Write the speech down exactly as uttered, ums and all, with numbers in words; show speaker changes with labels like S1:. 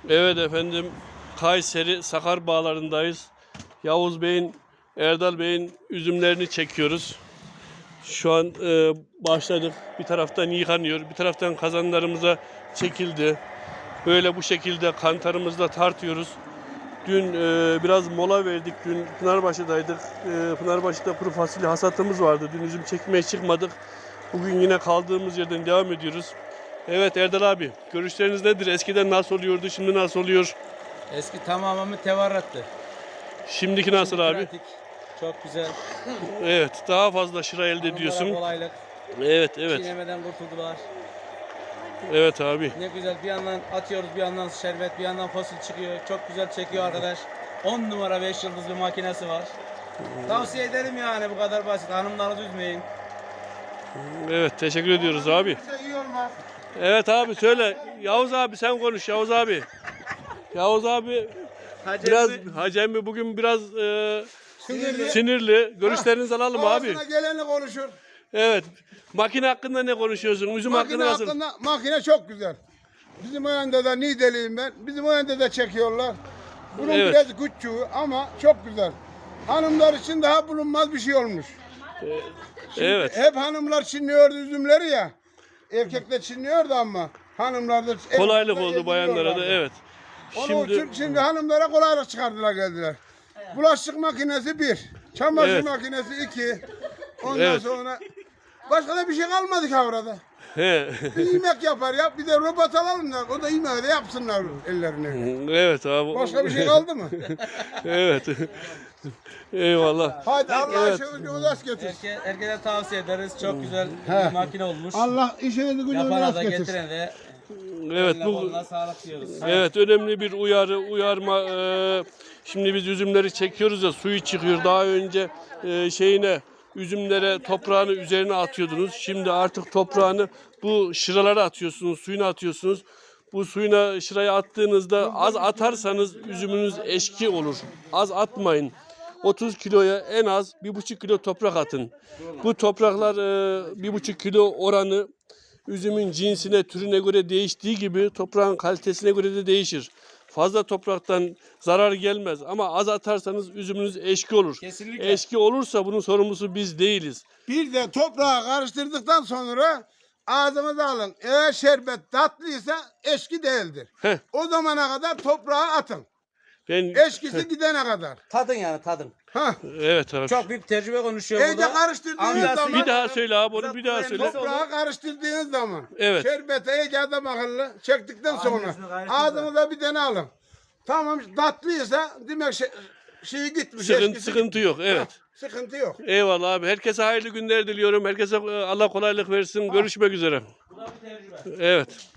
S1: Evet efendim, Kayseri Sakar Bağları'ndayız. Yavuz Bey'in, Erdal Bey'in üzümlerini çekiyoruz. Şu an e, başladık. Bir taraftan yıkanıyor, bir taraftan kazanlarımıza çekildi. Böyle bu şekilde kantarımızla tartıyoruz. Dün e, biraz mola verdik. Dün Pınarbaşı'daydık. E, Pınarbaşı'da kuru fasulye hasatımız vardı. Dün üzüm çekmeye çıkmadık. Bugün yine kaldığımız yerden devam ediyoruz. Evet Erdal abi, görüşleriniz nedir? Eskiden nasıl oluyordu, şimdi nasıl oluyor?
S2: Eski tamamen tevarrattı.
S1: Şimdiki nasıl
S2: Şimdi
S1: abi?
S2: pratik, çok güzel.
S1: Evet, daha fazla şıra elde
S2: Hanımlara
S1: ediyorsun.
S2: kolaylık.
S1: Evet, evet.
S2: Çiğnemeden kurtuldular.
S1: Evet abi.
S2: Ne güzel, bir yandan atıyoruz, bir yandan şerbet, bir yandan fosil çıkıyor. Çok güzel çekiyor arkadaş. on numara beş yıldız bir makinesi var. Tavsiye ederim yani, bu kadar basit. Hanımlarınızı üzmeyin.
S1: Evet, teşekkür ediyoruz abi. Evet abi söyle. Yavuz abi sen konuş Yavuz abi. Yavuz abi
S2: Hacı
S1: biraz
S2: emmi-
S1: Hacı emmi bugün biraz e,
S3: Sinirli.
S1: sinirli. Görüşlerinizi alalım abi.
S3: Ağzına geleni konuşur.
S1: Evet. Makine hakkında ne konuşuyorsun? Üzüm
S3: Makine
S1: hakkında nasıl?
S3: hakkında makine çok güzel. Bizim o yanda da Niğdeliyim ben. Bizim o yanda da çekiyorlar. Bunun
S1: Evet.
S3: biraz küçüğü ama çok güzel. Hanımlar için daha bulunmaz bir şey olmuş.
S1: Evet.
S3: Hep hanımlar çinliyordu üzümleri ya. Erkekler çinliyordu ama hanımlar da
S1: Kolaylık
S3: evde
S1: oldu bayanlara da
S3: ediliyorlardı.
S1: evet.
S3: Onun
S1: Şimdi
S3: için şimdi hanımlara kolaylık çıkardılar geldiler. Bulaşık makinesi bir, çamaşır
S1: Evet.
S3: makinesi iki. Ondan
S1: Evet.
S3: sonra başka da bir şey kalmadı ki orada.
S1: he.
S3: Bir yemek yapar ya, bir de robot alalım da o da yemeği de yapsınlar ellerine.
S1: Evet abi.
S3: Başka bir şey kaldı mı?
S1: Evet. Eyvallah.
S3: Hadi Allah
S1: Evet.
S3: işinizi rast getirsin.
S2: Herke, herkese tavsiye ederiz. Çok güzel
S3: He.
S2: bir makine olmuş.
S3: Allah işinizi gücünüzü
S2: Yapana
S3: rast
S2: da
S3: getirsin.
S2: getirene de
S1: Evet
S2: eline
S1: bu
S2: koluna sağlık diyoruz.
S1: evet önemli bir uyarı, uyarma. Ee, şimdi biz üzümleri çekiyoruz ya, suyu çıkıyor. Daha önce e, şeyine üzümlere toprağını üzerine atıyordunuz. Şimdi artık toprağını bu şıralara atıyorsunuz, suyuna atıyorsunuz. Bu suyuna şırayı attığınızda az atarsanız üzümünüz eşki olur. Az atmayın. otuz kiloya en az bir buçuk kilo toprak atın. Bu topraklar e, bir buçuk kilo oranı üzümün cinsine, türüne göre değiştiği gibi toprağın kalitesine göre de değişir. Fazla topraktan zarar gelmez ama az atarsanız üzümünüz eşki olur.
S2: Kesinlikle.
S1: Eşki olursa bunun sorumlusu biz değiliz.
S3: Bir de toprağı karıştırdıktan sonra ağzınıza alın. Eğer şerbet tatlıysa eşki değildir.
S1: Heh.
S3: O zamana kadar toprağı atın.
S1: Ben
S3: Eşkisi gidene kadar.
S2: Tadın yani, tadın.
S3: Hah.
S1: evet abi.
S2: Çok büyük tecrübe konuşuyor
S3: İyice
S2: burada.
S3: karıştırdığınız
S2: Amcası-
S3: zaman
S1: Bir daha söyle abi onu bir daha söyle.
S3: toprağı karıştırdığınız zaman
S1: Evet.
S3: şerbete iyice adam akıllı çektikten sonra
S2: Aynısını karıştırdı.
S3: ağzınıza bir tane alın. Tamam, tatlıysa demek şey, şeyi gitmiş.
S1: Sıkıntı,
S3: eşkisi
S1: sıkıntı yok evet.
S3: Sıkıntı yok.
S1: Eyvallah abi. Herkese hayırlı günler diliyorum. Herkese e, Allah kolaylık versin. Görüşmek üzere.
S2: Bu da bir tecrübe.
S1: Evet.